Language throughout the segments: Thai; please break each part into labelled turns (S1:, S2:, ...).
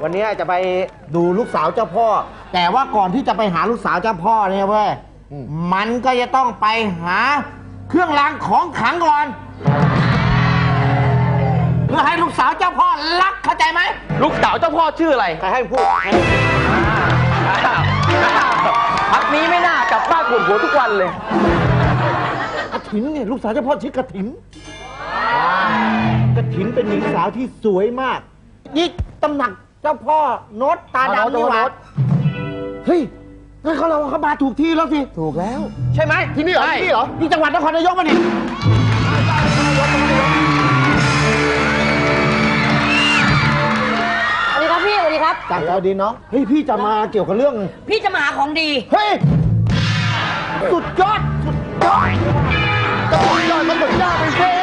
S1: วันนี้จะไปดูลูกสาวเจ้าพ่อแต่ว่าก่อนที่จะไปหาลูกสาวเจ้าพ่อเนี่ยเว้ยมันก็จะต้องไปหาเครื่องรางของขลังก่อนเพื่อให้ลูกสาวเจ้าพ่อรักเข้าใจไหม
S2: ลูกสาวเจ้าพ่อชื่ออะไร
S1: ใครให้พูด
S2: พักนี้ไม่น่ากลับบ้านปวดหัวทุกวันเลย
S1: กระถินเนี่ยลูกสาวเจ้าพ่อชื่อกระถินกระถินเป็นหญิงสาวที่สวยมากนี่ตำหนักเจ้าพ่อโน้ตตาดำนี่หว่าเฮ้ยงั้นเรามาถูกที่แล้วสิถูกแล้ว
S2: ใช่ไหม
S1: ที่นี่เหรอที่นี่เหรอที่จังหวัดนครนายกมาเนี่ย
S3: สวัสดีครับพี่สวัสดีครับ
S1: จากสวัสดีน้องเฮ้ยพี่จะมาเกี่ยวกับเรื่อง
S3: พี่จะมาหาของดี
S1: เฮ้ยสุดยอดสุดยอดสุดยอดมันสุดยอดไปสิ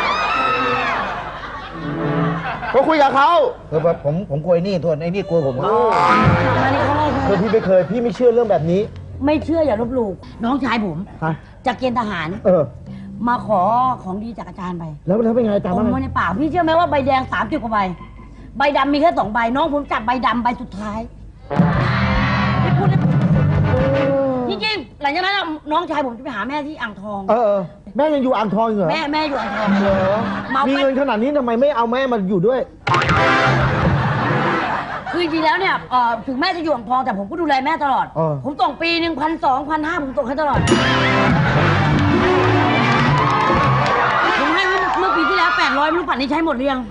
S1: เขาคุยกับเขาผมคุยนี่ทวนไอ้นี่คุยผม
S3: มานี่เขา
S1: คือพี่ไม่เคยพี่ไม่เชื่อเรื่องแบบนี้
S3: ไม่เชื่ออย่าลบหลู่น้องชายผมจากเกณฑ์ทหารมาขอของดีจากอาจารย์ไป
S1: แล้วเป็นไงอาจารย์
S3: ว่าในป่าพี่เชื่อไหมว่าใบแดง30 กว่าใบใบดำมีแค่2 ใบน้องผมจับใบดำใบสุดท้ายไม่พูดจริงๆหลังจากนั้นน้องชายผมจะไปหาแม่ที่อ่างทอง
S1: แม่ยังอยู่อ่างทองเหรอ
S3: แม่อยู่อ่างทอง
S1: เหรอมีเงินขนาดนี้ทำไมไม่เอาแม่มาอยู่ด้วย
S3: คือจริงๆแล้วเนี่ยถึงแม่จะอยู่อ่างทองแต่ผมก็ดูแลแม่ตลอดผมส่งปีนึง1,200 1,500ผมส่งให้ตลอดผมให้เมื่อปีที่แล้ว800ไม่รู้ป่านนี้ใช้หมดหรือยัง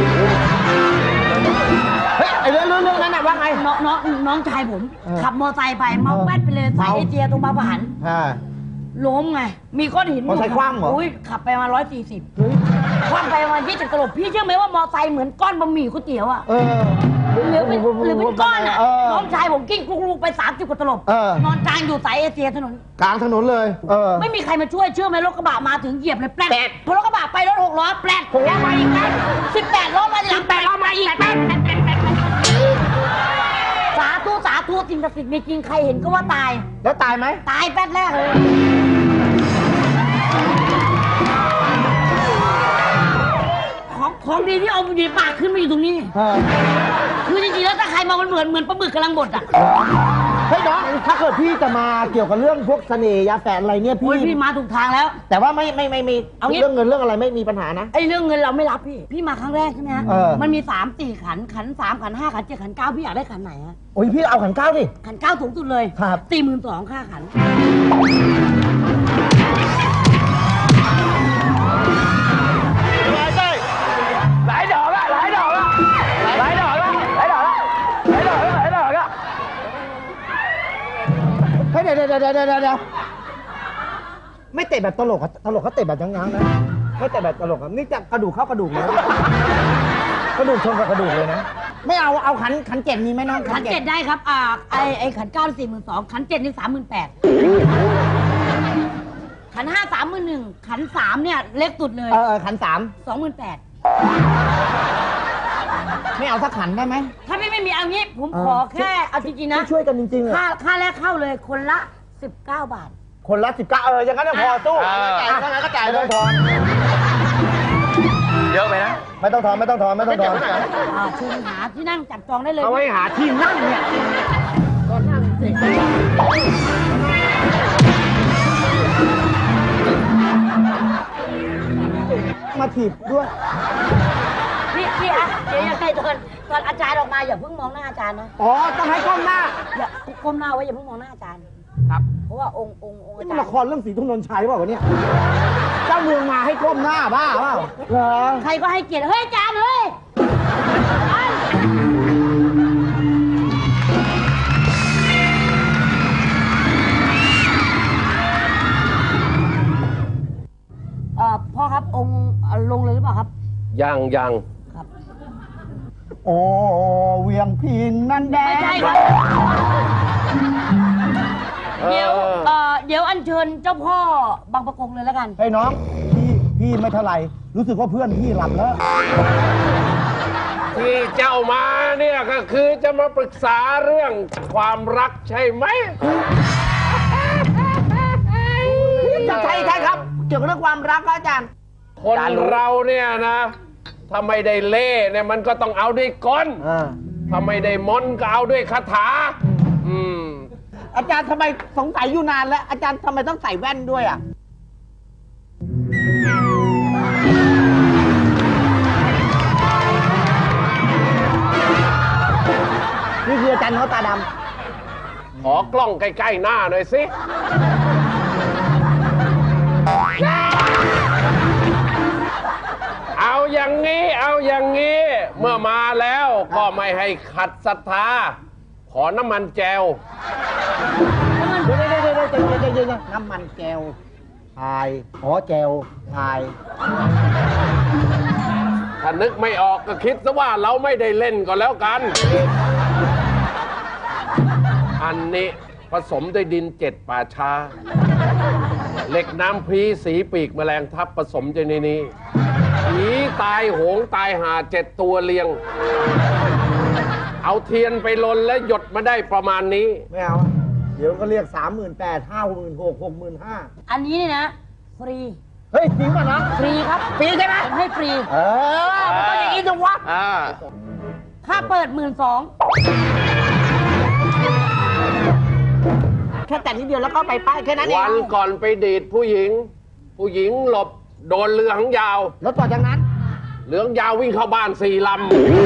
S1: เฮ้ยไอ้เรื่องนั้นน่ะว่าไง
S3: น้องชายผมขับมอไซค์ไปเมาแป๊ดไปเลยสายเอเชียตรงบางปะหันล้มไงมีก้อนหิน
S1: มอไซค์คว่ำเหรอ
S3: ขับไปมา140คว่ำไปมา20 ตลบพี่เชื่อไหมว่ามอไซค์เหมือนก้อนบะหมี่ก๋วยเตี๋ยวอ่ะหรือเป็นก้อนอ่ะน้องชายผมกิ้งลูกไป30 กว่าตลบนอนกลางอยู่สายเอเชียถนน
S1: กลางถนนเลย
S3: ไม่มีใครมาช่วยเชื่อไหมรถกระบะมาถึงเหยียบเลยแป๊ดพอรถกระบะไปรถ6 ล้อแป๊ดแล้วมาอีกแป๊ด18 ล้อมาหลัง8 ล้อมาอีกแป๊ดสาธุสิ่งศักดิ์สิทธิ์มีจริงใครเห็นก็ว่าตาย
S1: แล้วตายไหม
S3: ตายแป๊ดแรกเลยของดีที่เอาดีปากขึ้นมาอยู่ตรงนี้คือจริงๆแล้วถ้าใครมามันเหมือนปลาหมึกกำลังบดอ่ะ
S1: เฮ้ยน้องถ้าเกิดพี่จะมาเกี่ยวกับเรื่องพวกเสน่ห์ยาแฝดอะไรเนี่ย
S3: พี่มาถูกทางแล้ว
S1: แต่ว่าไม่เอาเรื่องเงินเรื่องอะไรไม่มีปัญหานะ
S3: ไอ้เรื่องเงินเราไม่รับพี่มาครั้งแรกใช่ไหมฮะมันมี3-4 ขันขัน 3 ขัน 5 ขัน 7 ขัน 9พี่อยากได้ขันไหนฮะ
S1: โอ้ยพี่เอาขัน 9ดิ
S3: ขัน 9สูงสุดเลย
S1: ครับ
S3: 42,000ค่าขัน
S2: หลายดอกละ
S1: เฮ้ยเดี๋ยวไม่เตะแบบตลกเขาเตะแบบยั้งๆนะไม่เตะแบบตลกนี่จะกระดูกเข้ากระดูกเลยกระดูกชนกับกระดูกเลยนะไม่เอาขัน 7มีไหมน้อง
S3: ขัน 7ได้ครับไอ้ขัน 9 42,000ขัน 7นี่38,000ขัน 5 31,000ขัน 3เนี่ยเล็กสุดเลย
S1: ขัน 3
S3: 28,000
S1: ไม่เอาสักขันได้ไหม
S3: ถ้าไม่มีเอางี้ผมขอแค่เอาจริงๆนะ
S1: ช่วยกันจริงๆ
S3: ค่าแรกเข้าเลยคนละ19 บาท
S1: คนละ19อย่างนั้นพอสู้จ่ายเท่าไหร่ก็จ่ายเลยทอน
S2: เยอะไปนะ
S1: ไม่ต้องทอน
S3: ชื่อหาที่นั่งจับจองได้เลย
S1: เอาไว้หาที่นั่งเนี่ยก็นั่งสิมาถีบด้วย
S3: พี่เดี๋ยวยังไงตอนอาจารย์ออกมาอย่าเพิ่งมองหน้าอาจารย์นะ
S1: ต้องให้ก้มหน้า
S3: อย่าก้มหน้าไว้อย่าเพิ่งมองหน้าอาจารย์
S2: ครับ
S3: เพราะว่าองค์อาจารย์
S1: นี่ละครเรื่องสีทุ่งนนชัยเปล่าวะเนี่ยเจ้าเมืองมาให้ก้มหน้าบ้าเปล่าเหรอ
S3: ใครก็ให้เกียรติเฮ้ยอาจารย์เฮ้ยพ่อครับองค์ลงเลยหรือเปล่าครับ
S2: ยัง
S3: ครับ
S1: โอ้เวียงพินนั่นแดง
S3: ไม่ใช่ครับเดี๋ยวอัญเชิญเจ้าพ่อบางประกงเลยแล้วกัน
S1: ให้น้องพี่ไม่เท่าไหร่รู้สึกว่าเพื่อนพี่หลับแล้ว
S2: ที่เจ้ามาเนี่ยก็คือจะมาปรึกษาเรื่องความรักใช่ไหม
S1: ใช่ครับเกี่ยวกับเรื่องความรักครับอาจารย์
S2: คนเราเนี่ยนะถ้าไม่ได้เล่เนี่ยมันก็ต้องเอาด้วยกลถ้าไม่ได้มนต์ก็เอาด้วยคาถา
S1: อาจารย์ทำไมสงสัยอยู่นานแล้ว อาจารย์ทำไมต้องใส่แว่นด้วยอ่ะ นี่คืออาจารย์เขาตาด
S2: ขอกล้องใกล้ๆหน้าหน่อยสิ เอาอย่างนี้เมื่อมาแล้วก็ไม่ให้ขัดศรัทธา ขอน้ำมันแจว
S1: ำเดี๋ยวน้ำมันแก้วพายแก้วพาย
S2: ถ้านึกไม่ออกก็คิดซะว่าเราไม่ได้เล่นก็แล้วกัน อันนี้ผสมด้วยดิน7 ป่าช้า เหล็กน้ำพรีสีปีกแมลงทับผสมอยู่ในนี้ผีตายโหงตายหา7 ตัวเรียง เอาเทียนไปลนและหยดมาได้ประมาณนี้
S1: ไม่เอา เดี๋ยวก็เรียก 38,000 56,000 65,000
S3: อันนี้เนี่ยนะ ฟรี
S1: เฮ้ยจริงป่ะนะ
S3: ฟรีครับ
S1: ฟรีใช่ไหม
S3: ผมให้ฟรี
S1: มันต้องอย่างนี้จังวะ
S3: ค่าเปิด 12,000
S1: แค่แต่นิดเดียวแล้วก็ไปป้ายแค่นั้นเอง
S2: วันก่อนไปดีดผู้หญิงหลบโดนเรือหางยาว
S1: แล้วต่อจากนั้น
S2: เรือยาววิ่งเข้าบ้าน4 ลำ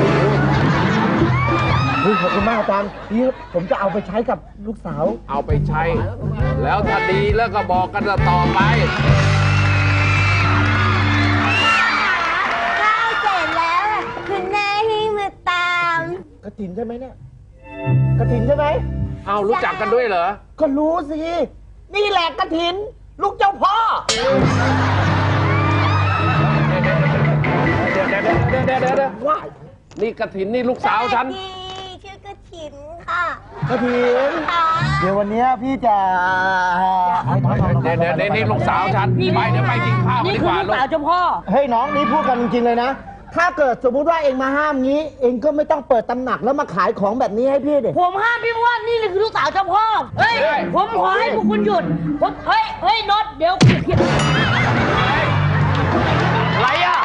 S1: ขอบคุณมากอาจารย์นี่ผมจะเอาไปใช้กับลูกสาว
S2: เอาไปใช้ แล้วถ้าดีแล้วก็บอกกันต่อไป
S4: ข้าวเสร็จแล้วอะคุณแม่ให้มาตาม
S1: กระถินใช่ไหมเนี่ย กระถินใช่ไหม
S2: เอารู้จักกันด้วยเหรอ
S1: ก็รู้สิ นี่แหละกระถิน ลูกเจ้าพ่อ
S2: เดี๋ยวว้ายนี่กระถินนี่ลูกสาวฉัน
S4: ดีชื่อกระถินค่ะ
S1: กระถิน
S4: ค่ะ
S1: เดี๋ยววันนี้พี่จะ
S2: เดี๋ยวนี่ลูกสาวฉันไปเดี๋ยวไปกินข้าวกัน
S3: นี่
S2: ดี
S3: คื
S2: ก
S3: อ
S2: ว่า
S3: ลูก
S2: ลูก
S3: สาวเจ้าพ่อ
S1: เฮ้ยน้องนี่พูดกันจริงๆเลยนะ ถ้าเกิดสมมุติว่าเองมาห้ามงี้ เองก็ไม่ต้องเปิดตำหนักแล้วมาขายของแบบนี้ให้พี่เด็
S3: ผมห้ามพี่เพราะว่านี่คือลูกสาวเจ้าพ่อ เฮ้ย ผมขอให้พวกคุณหยุด เฮ้ยน็อตเดี๋ยว
S2: อะไรอ่ะ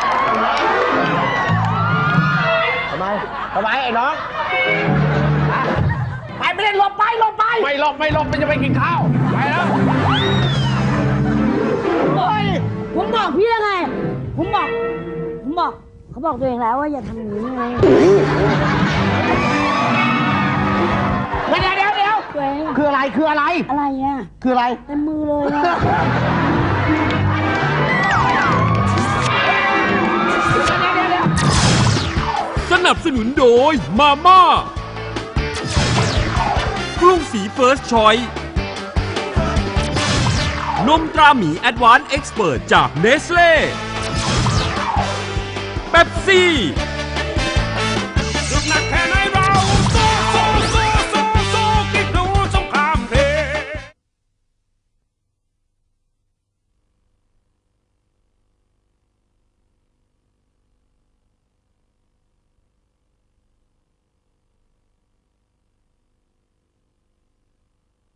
S1: ทำไมไอ้น้อง
S3: ไปไม่ได้หลบไป
S2: ไม่หลบมันจะไปกินข้าว ไปแล้ว
S3: เฮ้ย ผมบอกพี่แล้วไง ผมบอก เขาบอกตัวเองแล้วว่าอย่าทำอย่างนี้ไง
S1: เดี๋ยว
S3: ตัวเอง
S1: คืออะไร
S3: อะไรอ่ะ
S1: คืออะไร
S3: เต็มมือเลยอะ
S5: สนับสนุนโดยมาม่ากรุงศรีเฟิร์สชอยนมตราหมีแอดวานซ์เอ็กซ์เพิร์จากเนสเล่เป๊ปซี่